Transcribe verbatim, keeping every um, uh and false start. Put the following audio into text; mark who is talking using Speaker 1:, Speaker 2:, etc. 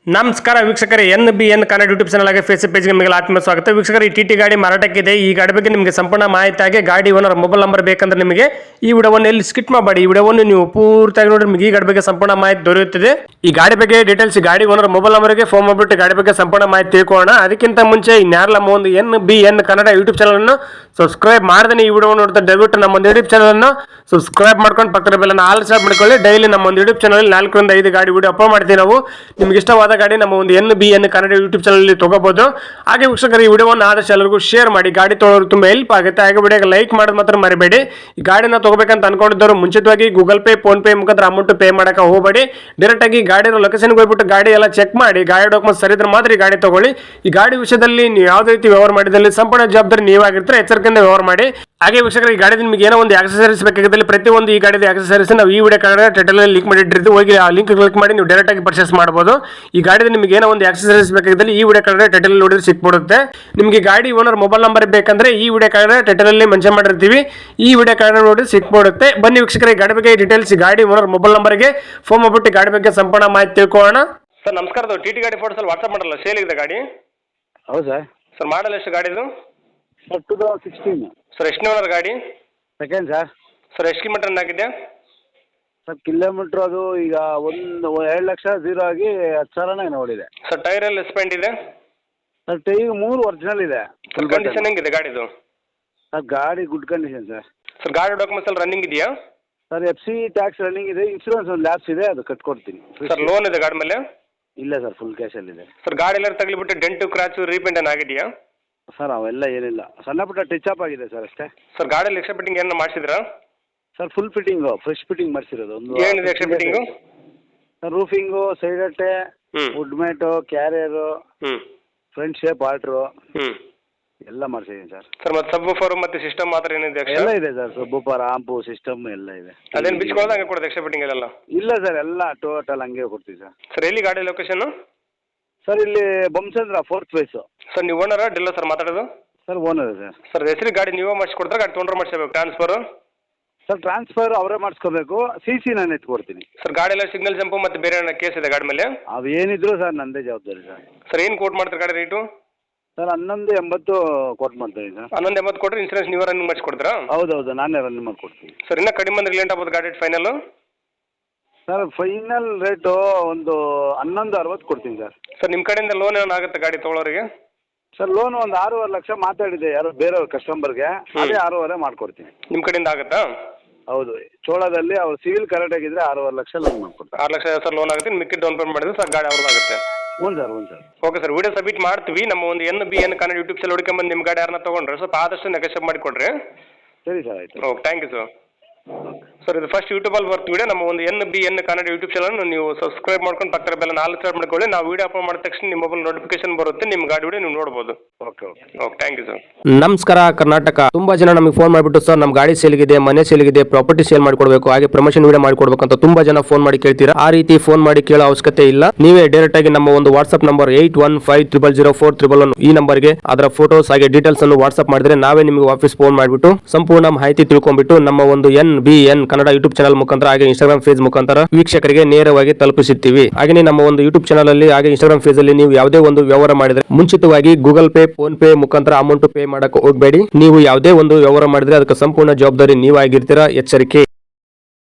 Speaker 1: ನಮಸ್ಕಾರ ವೀಕ್ಷಕರೇ, N B N Kannada YouTube channel ಆಗಿ ಫೇಸ್ಬುಕ್ ಪೇಜ್ಗೆ ನಿಮಗೆ ಆತ್ಮ ಸ್ವಾಗತ. ವೀಕ್ಷಕರು, ಈ ಟಿ ಟಿ ಗಾಡಿ ಮಾರಾಟಕ್ಕಿದೆ. ಈ ಗಾಡಿ ಬಗ್ಗೆ ನಿಮಗೆ ಸಂಪೂರ್ಣ ಮಾಹಿತಿಯಾಗಿ ಗಾಡಿ ಓನರ್ ಮೊಬೈಲ್ ನಂಬರ್ ಬೇಕಂದ್ರೆ ನಿಮಗೆ ಈ ವಿಡಿಯೋವನ್ನು ಎಲ್ಲಿ ಸ್ಕಿಪ್ ಮಾಡಬೇಡಿ. ಈ ವಿಡಿಯೋವನ್ನು ನೀವು ಪೂರ್ತಿಯಾಗಿ ನೋಡಿ, ನಿಮಗೆ ಈ ಗಾಡಿ ಬಗ್ಗೆ ಸಂಪೂರ್ಣ ಮಾಹಿತಿ ದೊರೆಯುತ್ತದೆ. ಈ ಗಾಡಿ ಬಗ್ಗೆ ಡೀಟೇಲ್ಸ್ ಗಾಡಿ ಓನರ್ ಮೊಬೈಲ್ ನಂಬರ್ಗೆ ಫೋನ್ ಮಾಡಿಬಿಟ್ಟು ಗಾಡಿ ಬಗ್ಗೆ ಸಂಪೂರ್ಣ ಮಾಹಿತಿ ತಿಳ್ಕೊಳ್ಳೋಣ. ಅದಕ್ಕಿಂತ ಮುಂಚೆ ಇನ್ಯಾರಲ್ಲ ನಮ್ಮ ಒಂದು N B N Kannada YouTube channel ಅನ್ನು ಸಬ್ಸ್ಕ್ರೈಬ್ ಮಾಡದೇ ಈ ವಿಡಿಯೋ ನೋಡ್ತಾ ದಯವಿಟ್ಟು ನಮ್ಮ ಒಂದು ಯೂಟ್ಯೂಬ್ ಚಾನಲ್ ಅನ್ನು ಸಬ್ಸ್ಕ್ರೈಬ್ ಮಾಡ್ಕೊಂಡು ಪಕ್ಕದ ಬೆಲ್ಲನ್ನು ಆಲ್ ಸಬ್ ಮಾಡ್ಕೊಳ್ಳಿ. ಡೈಲಿ ನಮ್ಮ ಒಂದು ಯೂಟ್ಯೂಬ್ ಚಾನಲ್ ನಾಲ್ಕರಿಂದ ಐದು ಗಾಡಿ ವಿಡಿಯೋ ಅಪ್ಲೋಡ್ ಮಾಡ್ತೀವಿ ನಾವು. ನಿಮ್ಗೆ ಇಷ್ಟವಾದ ಗಾಡಿ ನಮ್ಮ ಒಂದು N B N Kannada YouTube channel ತಗೋಬಹುದು. ಹಾಗೆ ವೀಕ್ಷಕರು, ಈ ವಿಡಿಯೋವನ್ನು ಆದಷ್ಟು ಎಲ್ಲರಿಗೂ ಶೇರ್ ಮಾಡಿ. ಗಾಡಿ ತೊಗೊಳ್ಳೋರು ತುಂಬಾ ಹೆಲ್ಪ್ ಆಗುತ್ತೆ. ಹಾಗೆ ವಿಡಿಯೋಗೆ ಲೈಕ್ ಮಾಡೋದು ಮಾತ್ರ ಮರಿಬೇಡಿ. ಈ ಗಾಡಿನ ತಗೋಬೇಕಂತ ಅನ್ಕೊಂಡಿದ್ದವರು ಮುಂಚಿತವಾಗಿ ಗೂಗಲ್ ಪೇ, ಫೋನ್ ಪೇ ಮುಖಾಂತರ ಅಮೌಂಟ್ ಪೇ ಮಾಡಕ್ಕೆ ಹೋಗಬೇಡಿ. ಡೈರೆಕ್ಟ್ ಆಗಿ ಗಾಡಿನ ಲೊಕೇಶನ್ಗೆ ಹೋಗ್ಬಿಟ್ಟು ಗಾಡಿ ಎಲ್ಲ ಚೆಕ್ ಮಾಡಿ, ಗಾಡಿ ಡಾಕ್ಯುಮೆಂಟ್ಸ್ ಸರಿ ಇದ್ರೆ ಮಾತ್ರ ಈ ಗಾಡಿ ತಗೊಳ್ಳಿ. ಈ ಗಾಡಿ ವಿಷಯದಲ್ಲಿ ನೀವು ಯಾವುದೇ ರೀತಿ ವ್ಯವಹಾರ ಮಾಡಿದಲ್ಲಿ ಸಂಪೂರ್ಣ ಜವಾಬ್ದಾರಿ ನೀವಾಗಿರ್ತಾರೆ. ಎಚ್ಚರಿಕೆಯಿಂದ ವ್ಯವಹಾರ ಮಾಡಿ. ಹಾಗೆ ವೀಕ್ಷಕರು, ಈ ಗಾಡಿ ನಿಮಗೆ ಏನೋ ಒಂದು ಆಕ್ಸೆಸರೀಸ್ ಬೇಕಾಗಿದ್ದಲ್ಲಿ ಪ್ರತಿಯೊಂದು ಈ ಗಾಡಿದ ಆಕ್ಸೆಸರೀಸ್ ನಾವು ಈ ವಿಡಿಯೋ ಕಾರ್ಡ್ ಟೈಟಲ್ ಅಲ್ಲಿ ಲಿಂಕ್ ಮಾಡಿಟ್ಟಿರ್ತೀವಿ. ಹೋಗಿ ಆ ಲಿಂಕ್ ಕ್ಲಿಕ್ ಮಾಡಿ ನೀವು ಡೈರೆಕ್ಟ್ ಆಗಿ ಪರ್ಚೇಸ್ ಮಾಡಬಹುದು. ಈ ಗಾಡಿದ ನಿಮಗೆ ಏನೋ ಒಂದು ಆಕ್ಸೆಸರೀಸ್ ಬೇಕಾಗಿದ್ದಲ್ಲಿ ಈ ವಿಡಿಯೋ ಕಾರ್ಡ್ ಟೈಟಲ್ ನೋಡಿದ್ರೆ ಸಿಕ್ಬಿಡುತ್ತೆ. ನಿಮಗೆ ಗಾಡಿ ಓನರ್ ಮೊಬೈಲ್ ನಂಬರ್ ಬೇಕಂದ್ರೆ ಈ ವಿಡಿಯೋ ಕಾರ್ಡ್ ಟೈಟಲ್ ಅಲ್ಲಿ ಮೆನ್ಷನ್ ಮಾಡಿರ್ತೀವಿ. ಈ ವಿಡಿಯೋ ಕಾರ್ಡ್ ನೋಡಿ ಸಿಕ್ಬಿಡುತ್ತೆ. ಬನ್ನಿ ವೀಕ್ಷಕರೇ, ಗಾಡಿ ಬಗ್ಗೆ ಡೀಟೇಲ್ಸ್ ಗಾಡಿ ಓನರ್ ಮೊಬೈಲ್ ನಂಬರ್ಗೆ ಫೋನ್ ಮಾಡ್ಬಿಟ್ಟು ಗಾಡಿ ಬಗ್ಗೆ ಸಂಪೂರ್ಣ ಮಾಹಿತಿ ತಿಳ್ಕೊಳ್ಳೋಣ. ಸರ್ ನಮಸ್ಕಾರ, ಟಿ ಟಿ ಗಾಡಿ ಫೋಟೋಸ್ ಅಲ್ಲಿ ವಾಟ್ಸ್ಆಪ್ ಮಾಡಲ್ಲ, ಸೇಲ್ ಇದೆ ಗಾಡಿ.
Speaker 2: ಹೌದು ಸರ್.
Speaker 1: ಸರ್ ಮಾಡಲ್ ಎಷ್ಟು ಗಾಡಿದು?
Speaker 2: Sir two thousand sixteen.
Speaker 1: Sir ಎಷ್ಟು ಓನರ್ ಗಾಡಿ?
Speaker 2: Second sir.
Speaker 1: ಸರ್ ಎಷ್ಟು ಕಿಲೋಮೀಟರ್ ರನ್ ಆಗಿದೆ?
Speaker 2: ಸರ್ ಕಿಲೋಮೀಟ್ರ್ ಅದು ಈಗ ಒಂದು ಎರಡು ಲಕ್ಷ ಝೀರೋ ಆಗಿ ಹತ್ತು ಸಾವಿರನೇ ನೋಡಿದೆ.
Speaker 1: ಸರ್ ಟೈರ್ ಎಲ್ಲ ಸ್ಪೆಂಡ್ ಇದೆ?
Speaker 2: ಸರ್ ಟೈ ಮೂರು ಒರಿಜಿನಲ್ ಇದೆ.
Speaker 1: ಸರ್ ಕಂಡೀಷನ್ ಹೆಂಗಿದೆ ಗಾಡಿದು?
Speaker 2: ಸರ್ ಗಾಡಿ ಗುಡ್ ಕಂಡೀಷನ್ ಸರ್.
Speaker 1: ಸರ್ ಗಾಡಿ ಡಾಕ್ಯುಮೆಂಟ್ಸ್ ಎಲ್ಲ ರನ್ನಿಂಗ್ ಇದೆಯಾ?
Speaker 2: Sir F C tax running ಇದೆ. ಇನ್ಶೂರೆನ್ಸ್ ಒಂದು ಲ್ಯಾಬ್ಸ್ ಇದೆ, ಅದು ಕಟ್ಕೊಡ್ತೀನಿ.
Speaker 1: ಸರ್ ಲೋನ್ ಇದೆ ಗಾಡಿ ಮೇಲೆ?
Speaker 2: ಇಲ್ಲ ಸರ್, ಫುಲ್ ಕ್ಯಾಶಲ್ಲಿದೆ.
Speaker 1: ಸರ್ ಗಾಡಿ ಎಲ್ಲ ತಗಲಿಬಿಟ್ಟು ಡೆಂಟು ಕ್ರಾಚು ರೀಪೇಂಟ್ ಏನು ಆಗಿದೆಯಾ?
Speaker 2: ಸರ್ ಅವೆಲ್ಲ ಏನಿಲ್ಲ, ಸಣ್ಣ ಪುಟ್ಟ ಟಚ್ ಅಪ್ ಆಗಿದೆ ಸರ್ ಅಷ್ಟೇ.
Speaker 1: ಸರ್ ಗಾಡಿಯಲ್ಲಿ ಎಕ್ಸ್ಟ್ರಾ ಫಿಟ್ಟಿಂಗ್ ಏನು ಮಾಡಿಸಿದ್ರಾ?
Speaker 2: Sir full fitting, fresh fitting ಮಾಡಿಸಿರೋದು. ಒಂದು
Speaker 1: ಏನಿದೆ extra fitting?
Speaker 2: Sir roofing, side ಅಟ್ಟೆ, ವುಡ್ ಮ್ಯಾಟು, ಕ್ಯಾರಿಯರು,
Speaker 1: ಹ್ಞೂ
Speaker 2: ಫ್ರಂಟ್ ಶೇಪ್ ಆಲ್ಟ್ರು
Speaker 1: ಹ್ಞೂ
Speaker 2: ಎಲ್ಲ ಮಾಡಿಸಿದ್ದೀನಿ ಸರ್.
Speaker 1: ಸರ್ ಮತ್ತೆ ಸಬ್ ಫೋರ್ ಮತ್ತೆ ಸಿಸ್ಟಮ್ ಮಾತ್ರ ಏನಿದೆ?
Speaker 2: ಎಲ್ಲ ಇದೆ ಸರ್, ಸಬ್ಬೂಪರ್, ಆಂಪು, ಸಿಸ್ಟಮ್ ಎಲ್ಲ ಇದೆ.
Speaker 1: ಅದೇನು ಬಿಚ್ಕೊಳ್ಳೋದು ಹಂಗೆ ಕೊಡೋದು ಎಕ್ಸ್ಟ್ರಾ ಫಿಟ್ಟಿಂಗ್ ಎಲ್ಲ?
Speaker 2: ಇಲ್ಲ ಸರ್, ಎಲ್ಲ ಟೋಟಲ್ ಹಂಗೆ ಕೊಡ್ತೀವಿ ಸರ್.
Speaker 1: ಸರ್ ಎಲ್ಲಿ ಗಾಡಿ ಲೊಕೇಶನ್?
Speaker 2: ಸರ್ ಇಲ್ಲಿ ಬೊಮ್ಮಸಂದ್ರ ಫೋರ್ತ್ ಫೇಸು.
Speaker 1: ಸರ್ ನೀವು ಓನರಾ ಡಿಲ್ಲ ಸರ್ ಮಾತಾಡೋದು?
Speaker 2: Sir owner sir.
Speaker 1: ಸರ್ ಹೆಸರಿಗೆ ಗಾಡಿ ನೀವೇ ಮಾಡಿಸ್ಕೊಡ್ತಾರೆ, ಗಾಡಿ ತೊಗೊಂಡ್ರೆ ಮಾಡಿಸ್ಬೇಕು ಟ್ರಾನ್ಸ್ಫರು?
Speaker 2: ಸರ್ ಟ್ರಾನ್ಸ್ಫರ್ ಅವರೇ ಮಾಡಿಸ್ಕೋಬೇಕು, ಸಿ ಸಿ ನಾನು ಎತ್ಕೊಡ್ತೀನಿ.
Speaker 1: ಸರ್ ಗಾಡಿ ಎಲ್ಲ ಸಿಗ್ನಲ್ ಜಂಪು ಮತ್ತು ಬೇರೆ ಏನೋ ಕೇಸ್ ಇದೆ ಗಾಡಿ ಮೇಲೆ?
Speaker 2: ಅವೇನಿದ್ರು ಸರ್ ನಂದೇ ಜವಾಬ್ದಾರಿ ಸರ್.
Speaker 1: ಸರ್ ಏನು ಕೋಟ್ ಮಾಡ್ತಾರೆ ಗಾಡಿ ರೇಟು?
Speaker 2: ಸರ್ ಹನ್ನೊಂದು ಎಂಬತ್ತು ಕೊಟ್ಟು ಮಾಡ್ತೀನಿ ಸರ್.
Speaker 1: ಹನ್ನೊಂದು ಎಂಬತ್ತು ಕೊಟ್ಟರೆ ಇನ್ಸೂರೆನ್ಸ್ ನೀವೇ ರನ್ನಿಂಗ್ ಮಾಡಿಸ್ಕೊಡ್ತೀರಾ?
Speaker 2: ಹೌದೌದು, ನಾನೇ ರನ್ನಿಂಗ್ ಮಾಡಿಕೊಡ್ತೀನಿ.
Speaker 1: ಸರ್ ಇನ್ನೂ ಕಡಿಮೆ ಅಂದ್ರೆ ಲೇಟ್ ಆಗ್ಬೋದು ಗಾಡಿ ಫೈನಲ್ಲು?
Speaker 2: ಸರ್ ಫೈನಲ್ ರೇಟು ಒಂದು ಹನ್ನೊಂದು ಅರವತ್ತು ಕೊಡ್ತೀನಿ ಸರ್.
Speaker 1: ಸರ್ ನಿಮ್ಮ ಕಡೆಯಿಂದ ಲೋನ್ ಏನೋ ಆಗುತ್ತೆ ಗಾಡಿ ತೊಗೊಳೋರಿಗೆ?
Speaker 2: ಸರ್ ಲೋನ್ ಒಂದು ಆರೂವರೆ ಲಕ್ಷ ಮಾತಾಡಿದೆ ಯಾರೋ ಬೇರೆಯವ್ರ ಕಸ್ಟಮರ್ಗೆ, ಅದೇ ಆರೂವರೆ ಮಾಡ್ಕೊಡ್ತೀನಿ.
Speaker 1: ನಿಮ್ಮ ಕಡೆಯಿಂದ ಆಗುತ್ತಾ?
Speaker 2: ಹೌದು, ಚೋಳದಲ್ಲಿ ಅವ್ರು ಸಿವಿಲ್ ಕರೆಕ್ಟ್ ಆಗಿದ್ರೆ ಆರೂವರೆ ಲಕ್ಷ ಲೋನ್ ಮಾಡ್ಕೊಡ್ತಾರೆ.
Speaker 1: ಆರು ಲಕ್ಷ ಸರ್ ಲೋನ್ ಆಗುತ್ತೆ, ಮಿಕ್ಕಿ ಡೌನ್ ಪೇಮೆಂಟ್ ಮಾಡಿದ್ರೆ ಸರ್ ಗಾಡಿ ಅವ್ರದ್ದಾಗುತ್ತೆ.
Speaker 2: ಹ್ಞೂ ಸರ್, ಹ್ಞೂ sir.
Speaker 1: Okay sir, video submit ಮಾಡ್ತೀವಿ. ನಮ್ಮ ಒಂದು N B N Kannada YouTube channel ಹುಡುಕೊಂಬಂದು ನಿಮ್ಮ ಗಾಡಿ ಯಾರನ್ನ ತೊಗೊಂಡ್ರೆ ಸ್ವಲ್ಪ ಆದಷ್ಟು ನೆಗೋಷಿಯೇಟ್ ಮಾಡಿಕೊಡ್ರಿ.
Speaker 2: ಸರಿ ಸರ್, ಆಯಿತು.
Speaker 1: Okay, thank you sir. Sir ಇದು ಫಸ್ಟ್ ಯೂಟ್ಯೂಬಲ್ಲಿ ಬರ್ತು ವಿಡಿಯೋ. ನಮ್ಮ ಒಂದು N B N Kannada YouTube channel ನೀವು ಸಬ್ಸ್ಕ್ರೈಬ್ ಮಾಡ್ಕೊಂಡು ಪಕ್ಕದ ಬೆಲ್ಲ ನಾಲ್ಕು ಸಬ್ಸ್ಕ್ರೈಬ್ ಮಾಡ್ಕೊಳ್ಳಿ. ನಾವು ವಿಡಿಯೋ ಅಪ್ಲೋಡ್ ಮಾಡಿದ ತಕ್ಷಣ ನಿಮ್ಮ ಮೊಬೈಲ್ ನೋಟಿಫಿಕೇಶನ್ ಬರುತ್ತೆ, ನಿಮ್ಮ ಗಾಡಿ ವಿಡಿಯೋ ನೀವು ನೋಡ್ಬೋದು.
Speaker 2: Okay okay
Speaker 1: okay, thank you sir.
Speaker 3: ನಮಸ್ಕಾರ ಕರ್ನಾಟಕ. ತುಂಬಾ ಜನ ನಮಗೆ ಫೋನ್ ಮಾಡಿಬಿಟ್ಟು ಸರ್ ನಮ್ಮ ಗಾಡಿ ಸೇಲ್ಗಿದೆ, ಮನೆ ಸೇಲ್ಗಿದೆ, ಪ್ರಾಪರ್ಟಿ ಸೇಲ್ ಮಾಡಿಕೊಡ್ಬೇಕು, ಹಾಗೆ ಪ್ರಮೋಷನ್ ವಿಡಿಯೋ ಮಾಡಿಕೊಡ್ಬೇಕು ಅಂತ ತುಂಬಾ ಜನ ಫೋನ್ ಮಾಡಿ ಕೇಳ್ತೀರಾ. ಆ ರೀತಿ ಫೋನ್ ಮಾಡಿ ಕೇಳೋ ಅವಶ್ಯಕತೆ ಇಲ್ಲ. ನೀವೇ ಡೈರೆಕ್ಟ್ ಆಗಿ ನಮ್ಮ ಒಂದು WhatsApp number eight one five triple zero four triple one ಈ ನಂಬರ್ಗೆ ಅದರ ಫೋಟೋಸ್ ಹಾಗೆ ಡೀಟೇಲ್ಸ್ ಅನ್ನು ವಾಟ್ಸ್ಆಪ್ ಮಾಡಿದ್ರೆ ನಾವೇ ನಿಮಗೆ ವಾಪಸ್ ಫೋನ್ ಮಾಡಿಬಿಟ್ಟು ಸಂಪೂರ್ಣ ಮಾಹಿತಿ ತಿಳ್ಕೊಂಡ್ಬಿಟ್ಟು ನಮ್ಮ ಒಂದು N B N Kannada YouTube channel ಮುಖಾಂತರ ಹಾಗೆ ಇನ್ಸ್ಟಾಗ್ರಾಮ್ ಫೇಸ್ ಮುಖಾಂತರ ವೀಕ್ಷಕರಿಗೆ ನೇರವಾಗಿ ತಲುಪಿಸುತ್ತೀವಿ. ಹಾಗೆ ನಮ್ಮ ಒಂದು ಯೂಟ್ಯೂಬ್ ಚಾನಲ್ ಅಲ್ಲಿ ಹಾಗೆ ಇನ್ಸ್ಟಾಗ್ರಾಮ್ ಫೇಸ್ ಅಲ್ಲಿ ನೀವು ಯಾವುದೇ ಒಂದು ವ್ಯವಹಾರ ಮಾಡಿದ್ರೆ ಮುಂಚಿತವಾಗಿ ಗೂಗಲ್ ಪೇ, ಫೋನ್ ಪೇ ಮುಖಾಂತರ ಅಮೌಂಟ್ ಪೇ ಮಾಡಕ್ಕೆ ಹೋಗಬೇಡಿ. ನೀವು ಯಾವುದೇ ಒಂದು ವ್ಯವಹಾರ ಮಾಡಿದ್ರೆ ಅದಕ್ಕೆ ಸಂಪೂರ್ಣ ಜವಾಬ್ದಾರಿ ನೀವಾಗಿರ್ತೀರಾ. ಎಚ್ಚರಿಕೆ.